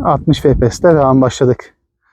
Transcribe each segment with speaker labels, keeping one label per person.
Speaker 1: 60 FPS'te devam başladık.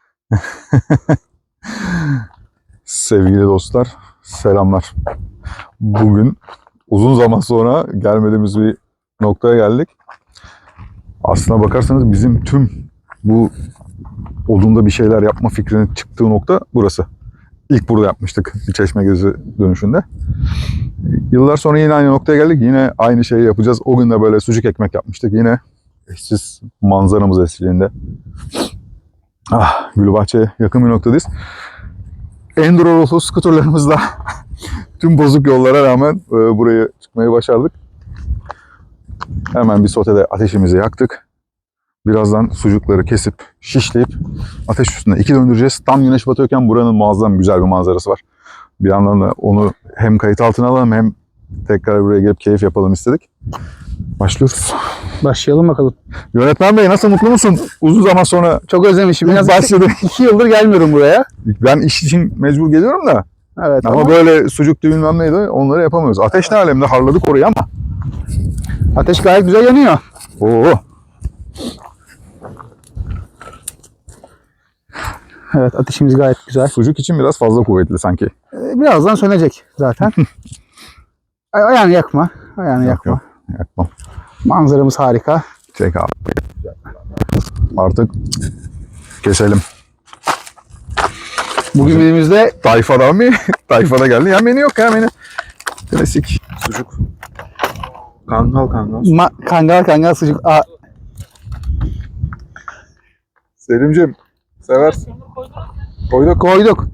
Speaker 2: Sevgili dostlar, selamlar. Bugün uzun zaman sonra gelmediğimiz bir noktaya geldik. Aslına bakarsanız bizim tüm bu odunda bir şeyler yapma fikrinin çıktığı nokta burası. İlk burada yapmıştık bir Çeşmegözü dönüşünde. Yıllar sonra yine aynı noktaya geldik. Yine aynı şeyi yapacağız. O gün de böyle sucuk ekmek yapmıştık. Yine eşsiz manzaramız eşliğinde. Gülbahçe'ye yakın bir noktadayız. Enduro skuterlarımızla tüm bozuk yollara rağmen buraya çıkmayı başardık. Hemen bir sotede ateşimizi yaktık. Birazdan sucukları kesip, şişleyip ateş üstünde 2 döndüreceğiz. Tam güneş batıyorken buranın muazzam güzel bir manzarası var. Bir yandan da onu hem kayıt altına alalım hem tekrar buraya gelip keyif yapalım istedik. Başlıyoruz.
Speaker 1: Başlayalım bakalım.
Speaker 2: Yönetmen Bey nasıl, mutlu musun? Uzun zaman sonra
Speaker 1: Çok özlemişim.
Speaker 2: biraz başladık.
Speaker 1: 2 yıldır gelmiyorum buraya.
Speaker 2: Ben iş için mecbur geliyorum da.
Speaker 1: Evet
Speaker 2: Ama böyle sucuktu bilmem neydi onları yapamıyoruz. Ateş ne alemde, harladık orayı ama.
Speaker 1: ateş gayet güzel yanıyor.
Speaker 2: Oo.
Speaker 1: Evet, ateşimiz gayet güzel.
Speaker 2: Sucuk için biraz fazla kuvvetli sanki.
Speaker 1: Birazdan sönecek zaten. Ayağını yakma. Ayağını yakma.
Speaker 2: Yok, yakmam.
Speaker 1: Manzaramız harika.
Speaker 2: Çek abi. Artık keselim.
Speaker 1: Bugün elimizde
Speaker 2: Tayfada mı? Tayfada geldi. Ya menü yok ya menü. Klasik. Sucuk. Kangal.
Speaker 1: kangal sucuk.
Speaker 2: Selim'cim seversin.
Speaker 1: Koyduk.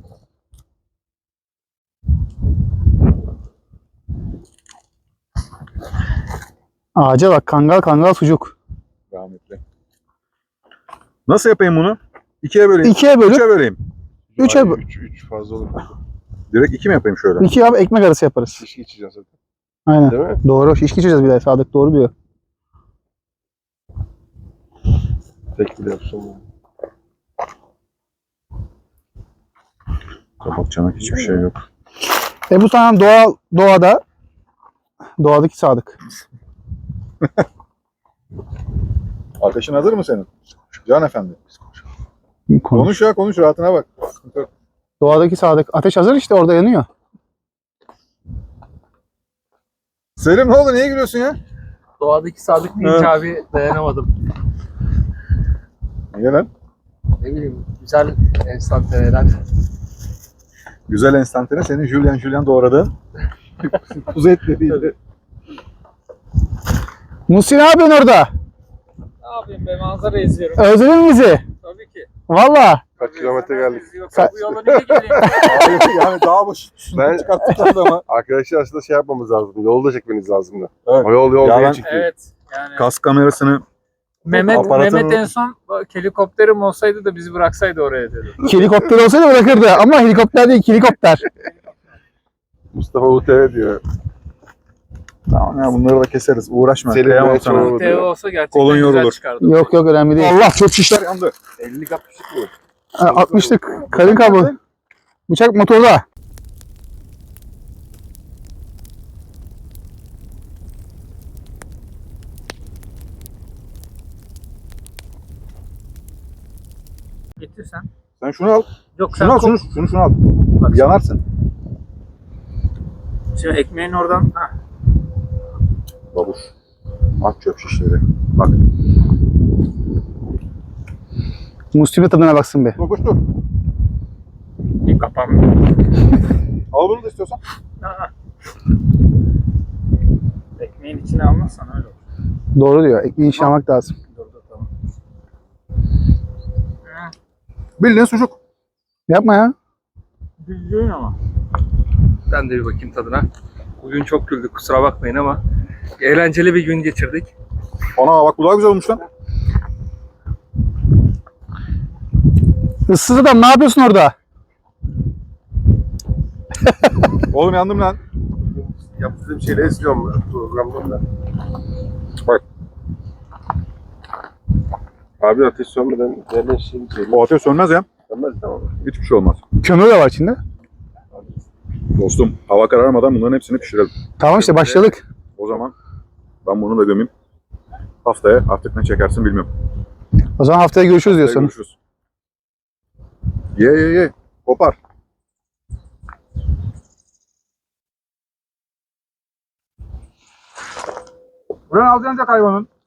Speaker 1: Ağaca bak, kangal sucuk.
Speaker 2: Rahmetli. Nasıl yapayım bunu? 2'ye böleyim.
Speaker 1: 2'ye bölüp
Speaker 2: 3'e böleyim.
Speaker 1: 3'e
Speaker 3: 3 fazla olur.
Speaker 2: Direkt 2 mi yapayım şöyle?
Speaker 1: 2 abi ekmek arası yaparız.
Speaker 3: Şişki içeceğiz zaten.
Speaker 1: Aynen.
Speaker 3: Değil mi?
Speaker 1: Doğru. Şiş geçeceğiz bir de. Sadık doğru diyor.
Speaker 3: Tek bile yapsam.
Speaker 2: Kapak çanak hiçbir şey yok.
Speaker 1: Bu tamam doğadaki Sadık.
Speaker 2: Ateşin hazır mı senin? Can efendi. Konuş ya konuş, rahatına bak.
Speaker 1: Doğadaki Sadık. Ateş hazır işte, orada yanıyor.
Speaker 2: Selim ne oldu? Niye gülüyorsun ya?
Speaker 4: Doğadaki Sadık deyince abi dayanamadım.
Speaker 2: Niye lan?
Speaker 4: Ne bileyim, güzel enstantaneler.
Speaker 2: Güzel enstantane senin Julian doğradığın. Kuzu etli değildi.
Speaker 1: Muhsin ne yapıyorsun orada?
Speaker 4: Ne yapayım be, manzara izliyorum.
Speaker 1: Özledin mi bizi?
Speaker 4: Tabii ki.
Speaker 1: Valla.
Speaker 3: Kaç kilometre geldik?
Speaker 4: Yoksa bu yola niye geleyim?
Speaker 2: Yani dağ başı
Speaker 3: Ben
Speaker 2: çıkarttık adamı.
Speaker 3: arkadaşlar aslında şey yapmamız lazım. Yolda çekmeniz lazımdı.
Speaker 2: Evet.
Speaker 3: O yol
Speaker 2: Ya
Speaker 3: diye
Speaker 2: ben-
Speaker 3: çıktı.
Speaker 4: Evet. Yani
Speaker 2: Kas kamerasını aparatın-
Speaker 4: Mehmet en son bak, helikopterim olsaydı da bizi bıraksaydı oraya dedi.
Speaker 1: Helikopter olsaydı bırakırdı. Ama helikopter değil, helikopter.
Speaker 3: Mustafa UTV diyor.
Speaker 2: tamam ya bunları da keseriz. Uğraşma.
Speaker 3: Selim
Speaker 2: Kıyamam
Speaker 3: Bey
Speaker 2: sana.
Speaker 3: çok-
Speaker 4: TV olsa gerçekten
Speaker 2: Kolun
Speaker 4: güzel
Speaker 2: yorulur.
Speaker 4: çıkardı.
Speaker 1: Yok önemli değil.
Speaker 2: Allah çöp şişler yandı.
Speaker 3: 50 yapmıştık mı?
Speaker 1: 60'lık karın kablo. Bıçak motorda.
Speaker 4: Getir sen.
Speaker 2: Sen şunu al.
Speaker 4: Yok sen
Speaker 2: Şunu al. Şunu al.
Speaker 4: Bak,
Speaker 2: Yanarsın.
Speaker 4: şimdi ekmeğin oradan. Ha.
Speaker 2: Babuş. At çöp şişleri. Bak.
Speaker 1: Musti'nin tadına baksın be.
Speaker 2: Babuş dur.
Speaker 4: Bir kapanmıyor.
Speaker 2: Al bunu da istiyorsan.
Speaker 4: Ha. Ekmeğin içine almazsan öyle olur.
Speaker 1: Doğru diyor. Ekmeği içine almak lazım.
Speaker 4: Dur tamam.
Speaker 2: Bildiğin sucuk.
Speaker 1: Yapma ya.
Speaker 4: Bildiğin ama. Ben de bir bakayım tadına. Bugün çok güldük, kusura bakmayın ama eğlenceli bir gün geçirdik.
Speaker 2: Ana bak bu daha güzel olmuş lan.
Speaker 1: Issız adam ne yapıyorsun orada?
Speaker 2: Oğlum yandım lan.
Speaker 3: Yaptığım şeyleri izliyorum ben programda da.
Speaker 2: Bak.
Speaker 3: Abi ateş sönmeden yerden şey söyleyeyim.
Speaker 2: O ateş sönmez ya.
Speaker 3: Sönmez tamam.
Speaker 2: Hiçbir şey olmaz.
Speaker 1: Kömür de var içinde.
Speaker 2: Dostum hava kararmadan bunların hepsini pişirelim.
Speaker 1: Tamam işte başladık.
Speaker 2: O zaman ben bunu da gömeyim. Haftaya artık ne çekersin bilmiyorum.
Speaker 1: O zaman haftaya görüşürüz diyorsun.
Speaker 3: Görüşürüz. Ye. Kopar.
Speaker 5: Buranın alacaksın hayvanın.